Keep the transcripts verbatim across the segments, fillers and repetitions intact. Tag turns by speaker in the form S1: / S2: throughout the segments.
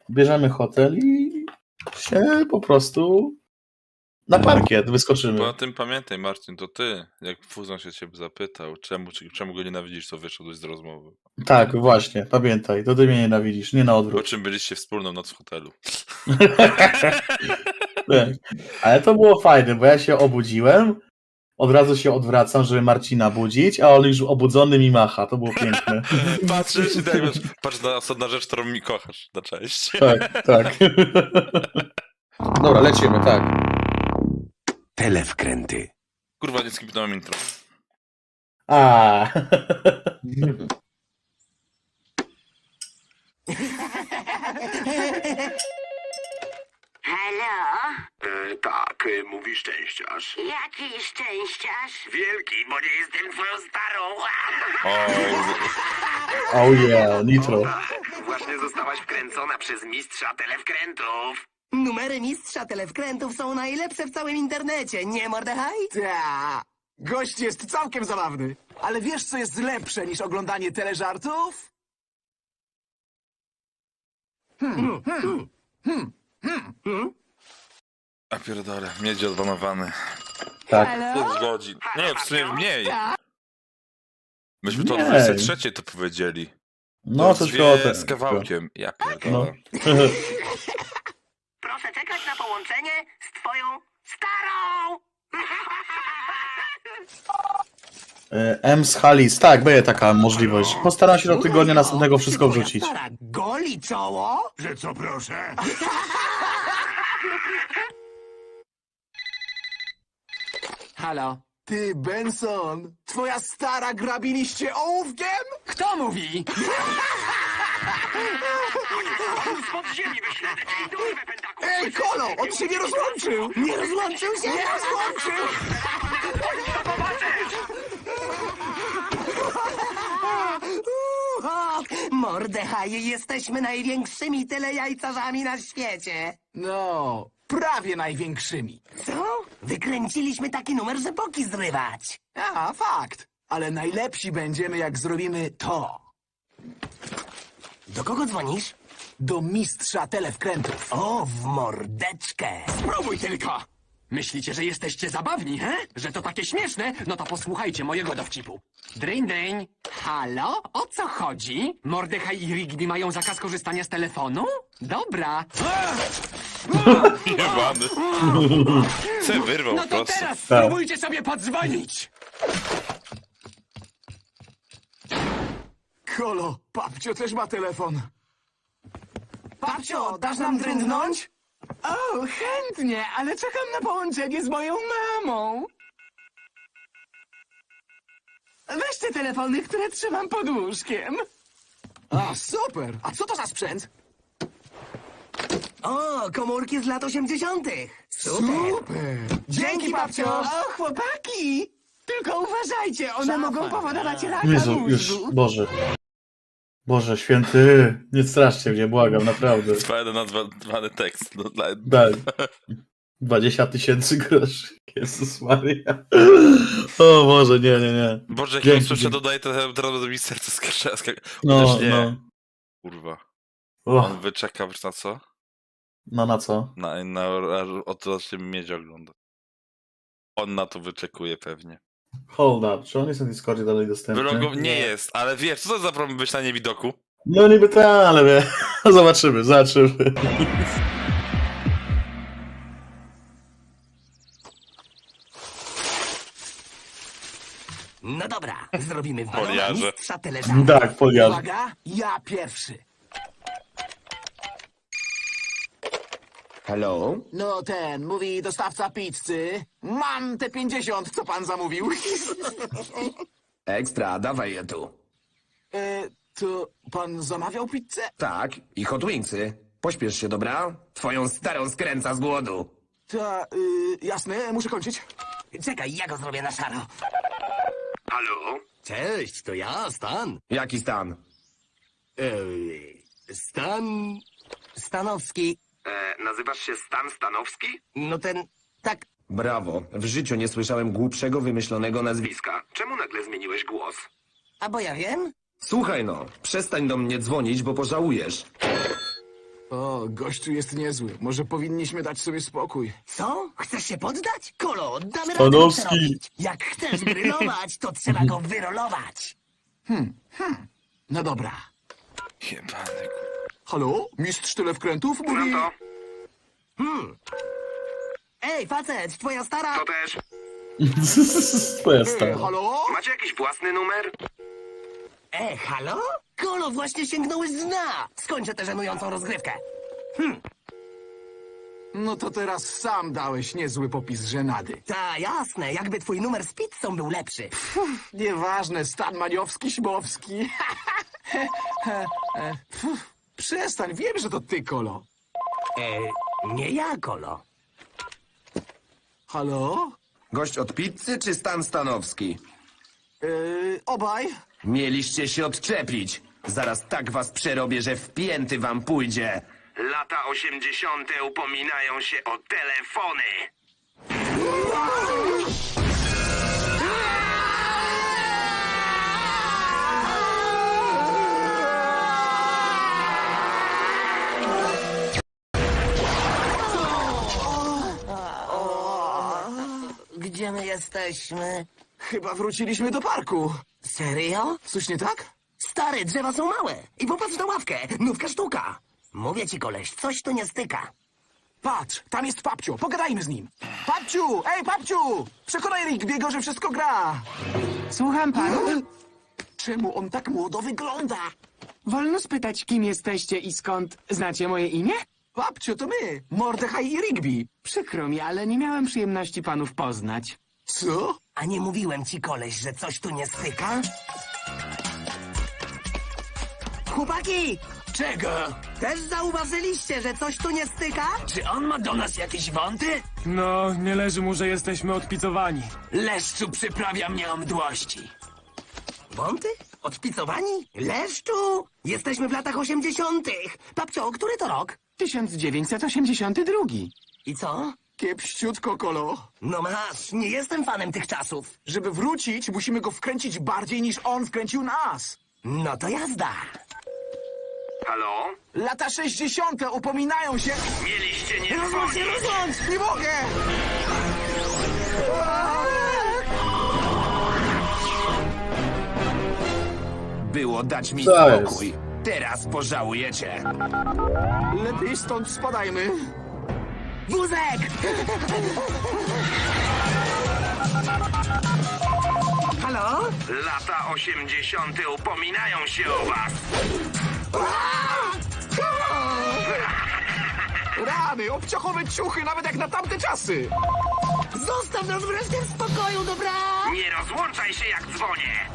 S1: bierzemy hotel i się po prostu na parkiet wyskoczymy.
S2: Po tym pamiętaj, Marcin, to ty, jak Fuzon się ciebie zapytał, czemu, czemu go nienawidzisz, to wyszedłeś z rozmowy.
S1: Tak, właśnie, pamiętaj, to ty mnie nienawidzisz, nie na
S2: Po
S1: odwrót.
S2: czym byliście wspólną noc w hotelu.
S1: Tak. Ale to było fajne, bo ja się obudziłem, od razu się odwracam, żeby Marcina budzić, a on już obudzony mi macha, to było piękne.
S2: Patrzysz i tak wiesz, patrz na osobna rzecz, którą mi kochasz, na cześć.
S1: Tak, tak. Dobra, lecimy, tak.
S3: Telewkręty.
S2: Kurwa, nie skipnąłem intro.
S1: A.
S4: Halo?
S3: E, tak, e, mówi szczęściarz.
S4: Jaki szczęściarz?
S3: Wielki, bo nie jestem twoją starą.
S2: O,
S1: Oh yeah, nitro.
S3: Właśnie zostałaś wkręcona przez mistrza telewkrętów.
S5: Numery mistrza telewkrętów są najlepsze w całym internecie, nie Mordechaj?
S6: Ta. Gość jest całkiem zabawny. Ale wiesz, co jest lepsze niż oglądanie teleżartów?
S2: a pierdolę, miedzi odbanowany.
S1: Tak.
S2: Pół godzin. Nie, w sumie mniej. Myśmy to o
S1: Nie.
S2: dwudziestej trzeciej to powiedzieli.
S1: No,
S2: To
S1: coś
S2: dwie
S1: koło tego.
S2: z kawałkiem. Ja pierdolę.
S1: No.
S4: Proszę czekać na połączenie z twoją starą!
S1: E, M z Halis, tak, będzie taka możliwość. Postaram się do tygodnia następnego wszystko wrzucić.
S5: Stara, goli czoło?
S3: Że co proszę?
S6: Halo? Ty, Benson, twoja stara grabiliście ołówkiem? Kto mówi? Ej, Kolo, on się nie rozłączył!
S5: Nie rozłączył się?
S6: Nie rozłączył!
S5: Mordechaj, jesteśmy największymi telejajcarzami na świecie.
S6: No, prawie największymi.
S5: Co? Wykręciliśmy taki numer, że boki zrywać.
S6: A, fakt. Ale najlepsi będziemy, jak zrobimy to.
S5: Do kogo dzwonisz?
S6: Do mistrza telewkrętów.
S5: O, w mordeczkę.
S7: Spróbuj tylko! Myślicie, że jesteście zabawni, he? Że to takie śmieszne? No to posłuchajcie mojego dowcipu. Dryń, dryń. Halo? O co chodzi? Mordechaj i Rigby mają zakaz korzystania z telefonu? Dobra.
S2: Jebany. Se wyrwał
S7: No
S2: po
S7: to
S2: prostu.
S7: teraz spróbujcie sobie podzwonić!
S6: Kolo, babcio też ma telefon.
S5: Babcio, dasz nam drędnąć?
S6: O, chętnie, ale czekam na połączenie z moją mamą. Weź te telefony, które trzymam pod łóżkiem. A, super! A co to za sprzęt?
S5: O, komórki z lat osiemdziesiątych. Super.
S6: Super! Dzięki, babcio! O, chłopaki! Tylko uważajcie, one mogą powodować raka
S1: Jezu, już, Boże. Boże, święty, nie straszcie mnie, błagam, naprawdę.
S2: Fajny nazwany tekst. No, dla...
S1: Tak. dwadzieścia tysięcy groszy. Jezus Maria. O Boże, nie, nie, nie.
S2: Boże, jak
S1: Dzięki,
S2: ja słyszę,
S1: dzięki.
S2: dodaję to teraz do mi serce skacze. Skak...
S1: No,
S2: Chociaż nie.
S1: no.
S2: Kurwa.
S1: Och,
S2: On wyczeka wiesz na co?
S1: no na co?
S2: Na, na, o to się miedź ogląda. On na to wyczekuje pewnie.
S1: Hold up, czy on jest na Discordzie dalej dostępny?
S2: Wylogo... Nie jest, ale wiesz, co to za problem być na niewidoku?
S1: No niby tak, ale wie. Zobaczymy, zobaczymy.
S5: No dobra, zrobimy w
S2: Foliarze.
S5: mistrza teleżartu.
S1: Tak, poliarz.
S6: Uwaga, ja pierwszy.
S3: Hello?
S6: No ten, mówi dostawca pizzy. Mam te pięćdziesiąt, co pan zamówił.
S3: Ekstra, dawaj je tu.
S6: e, to pan zamawiał pizzę?
S3: Tak, i hot wingsy. Pośpiesz się, dobra? Twoją starą skręca z głodu.
S6: Ta, y, jasne, muszę kończyć.
S5: Czekaj, ja go zrobię na szaro.
S3: Halo?
S5: Cześć, to ja, Stan.
S3: Jaki stan?
S5: Eee, Stan... Stanowski.
S3: E, nazywasz się Stan Stanowski?
S5: No ten... Tak,
S3: Brawo, w życiu nie słyszałem głupszego wymyślonego nazwiska. Czemu nagle zmieniłeś głos?
S5: a bo ja wiem.
S3: Słuchaj no, przestań do mnie dzwonić, bo pożałujesz.
S6: O, gościu jest niezły. Może powinniśmy dać sobie spokój.
S5: Co? Chcesz się poddać? Kolo, damy radę
S1: Stanowski.
S5: to przerobić. Jak chcesz grillować, to trzeba go wyrolować.
S6: No dobra.
S2: Jebany.
S6: Halo? Mistrz telewkrętów mówi...
S5: Ej, facet, twoja stara...
S3: To też.
S1: Twoja
S6: Ej,
S1: stara.
S6: halo?
S3: Macie jakiś własny numer?
S5: E, halo? Kolo, właśnie sięgnąłeś z dna. Skończę tę żenującą rozgrywkę.
S6: No to teraz sam dałeś niezły popis żenady.
S5: Ta, jasne, jakby twój numer z pizzą był lepszy.
S6: Nieważne, stan maniowski, śmowski. Pff, Przestań, wiem, że to ty, Kolo.
S5: E, nie ja, Kolo.
S6: Halo?
S3: Gość od pizzy czy Stan Stanowski?
S6: Yy, obaj?
S3: Mieliście się odczepić. Zaraz tak was przerobię, że w pięty wam pójdzie. Lata osiemdziesiąte upominają się o telefony.
S5: Gdzie my jesteśmy?
S6: Chyba wróciliśmy do parku.
S5: Serio?
S6: Coś nie tak?
S5: Stary, drzewa są małe. I popatrz na ławkę. Nówka sztuka. Mówię ci, koleś, coś tu nie styka.
S6: Patrz, tam jest Papcio, pogadajmy z nim. Papciu, ej Papciu! Przekonaj Rigbiego, że wszystko gra.
S8: Słucham panu?
S6: Czemu on tak młodo wygląda?
S8: Wolno spytać, kim jesteście i skąd znacie moje imię?
S6: Papciu, to my, Mordechai i Rigby.
S8: Przykro mi, ale nie miałem przyjemności panów poznać.
S6: Co?
S5: A nie mówiłem ci, koleś, że coś tu nie styka? Chłopaki!
S7: Czego?
S5: Też zauważyliście, że coś tu nie styka?
S7: Czy on ma do nas jakieś wąty?
S9: No, nie leży mu, że jesteśmy odpicowani.
S7: Leszczu przyprawia mnie o mdłości.
S5: Wąty? Odpicowani? Leszczu! Jesteśmy w latach osiemdziesiątych. Babcio, który to rok?
S8: tysiąc dziewięćset osiemdziesiąty drugi.
S5: I co?
S6: Kiepściutko, Kolo.
S5: No masz, nie jestem fanem tych czasów.
S6: Żeby wrócić, musimy go wkręcić bardziej niż on wkręcił nas.
S5: No to jazda.
S3: Halo?
S6: Lata sześćdziesiąte upominają się...
S3: Mieliście nie
S5: Rozłącz się, rozłącz!
S6: Nie mogę!
S3: Było dać mi
S1: Co jest?
S3: spokój. Teraz pożałujecie.
S6: Lepiej stąd spadajmy.
S5: Wózek! Halo?
S3: Lata osiemdziesiąte upominają się o was.
S6: Rany, obciachowe ciuchy, nawet jak na tamte czasy.
S5: Zostaw nas wreszcie w spokoju, dobra?
S3: Nie rozłączaj się jak dzwonię.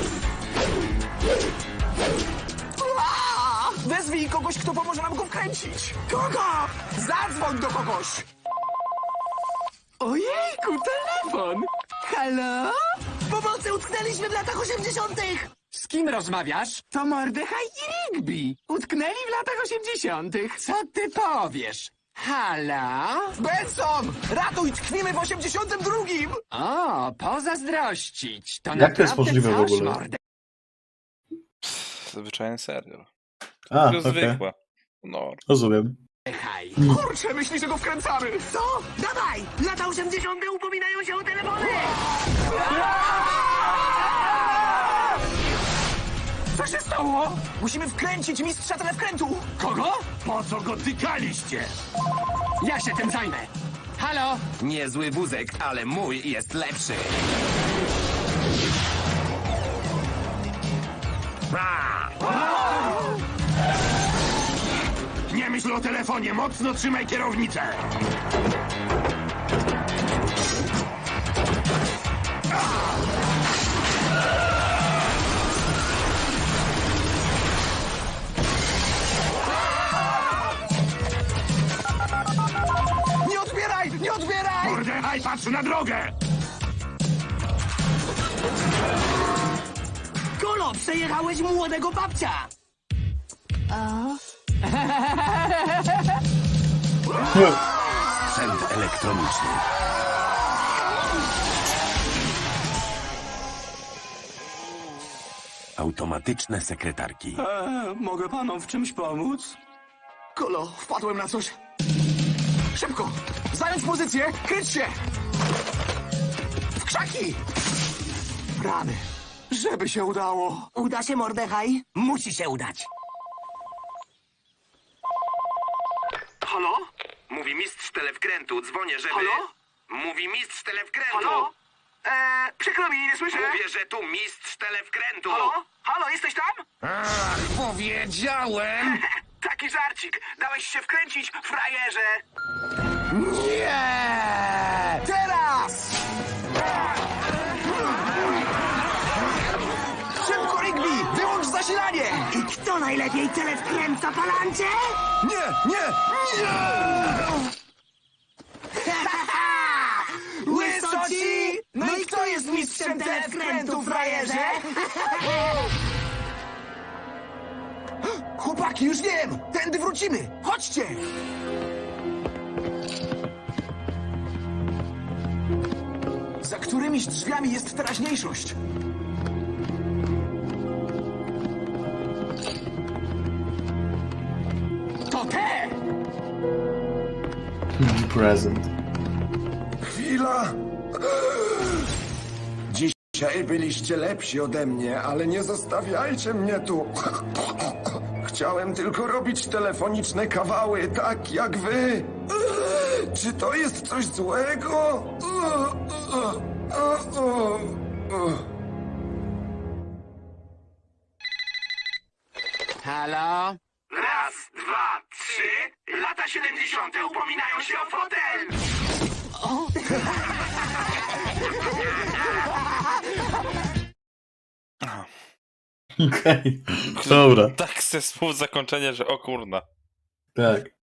S6: A! Wezwij kogoś, kto pomoże nam go wkręcić. Kogo? Zadzwoń do kogoś.
S8: Ojejku, telefon! Halo?
S5: Pomocy, utknęliśmy w latach osiemdziesiątych!
S7: Z kim rozmawiasz?
S8: To Mordechai i Rigby. Utknęli w latach osiemdziesiątych.
S7: Co ty powiesz? Halo?
S6: Benson! Ratuj, tkwimy w osiemdziesiątym drugim.
S7: O, pozazdrościć. To
S1: Jak to jest
S7: naprawdę
S1: możliwe w
S7: coś,
S1: ogóle?
S7: mordę.
S2: Zwyczajny serial.
S1: A,
S2: To
S1: okej.
S2: zwykła. No.
S1: Rozumiem.
S7: Hej.
S6: Kurczę, myśli, że go wkręcamy.
S5: Co? Dawaj! Lata osiemdziesiąte upominają się o telefony!
S6: Co się stało? Musimy wkręcić mistrza telewkrętu.
S7: Kogo?
S6: Po co go tykaliście?
S7: Ja się tym zajmę. Halo?
S3: Niezły wózek, ale mój jest lepszy.
S6: Nie myśl o telefonie, mocno trzymaj kierownicę. Nie odbieraj! Nie odbieraj! Mordechai, patrz na drogę!
S5: Kolo, przejechałeś młodego babcia!
S3: Sprzęt elektroniczny. Automatyczne sekretarki.
S9: E, mogę panom w czymś pomóc?
S6: Kolo, wpadłem na coś. Szybko! Zająć pozycję! Kryć się! W krzaki! Rany! Żeby się udało!
S5: Uda się, Mordechaj? Musi się udać.
S3: Halo? Mówi mistrz telewkrętu, dzwonię, żeby...
S4: Halo?
S3: Mówi mistrz telewkrętu.
S4: Halo? Eee, przykro mi, nie słyszę.
S3: Mówię, że tu mistrz telewkrętu.
S4: Halo? Halo, jesteś tam?
S3: Ach, powiedziałem!
S4: Taki żarcik. Dałeś się wkręcić, frajerze.
S6: Nie! Teraz! Szybko, Rigby! Wyłącz zasilanie!
S5: I kto najlepiej tyle wkręca, palancie?
S6: Nie, nie, nie! Łysoci! No i kto jest mistrzem telewkrętu, frajerze? Chłopaki, już wiem! Tędy wrócimy! Chodźcie! Za którymiś drzwiami jest teraźniejszość.
S7: To te!
S1: Be present.
S10: Chwila! Dzisiaj byliście lepsi ode mnie, ale nie zostawiajcie mnie tu. Chciałem tylko robić telefoniczne kawały, tak jak wy. Czy to jest coś złego?
S7: Halo?
S3: Raz, dwa, trzy. Lata siedemdziesiąte upominają się o fotel.
S1: Okej, dobra,
S2: Tak se słów zakończenie, że o kurna.
S1: tak.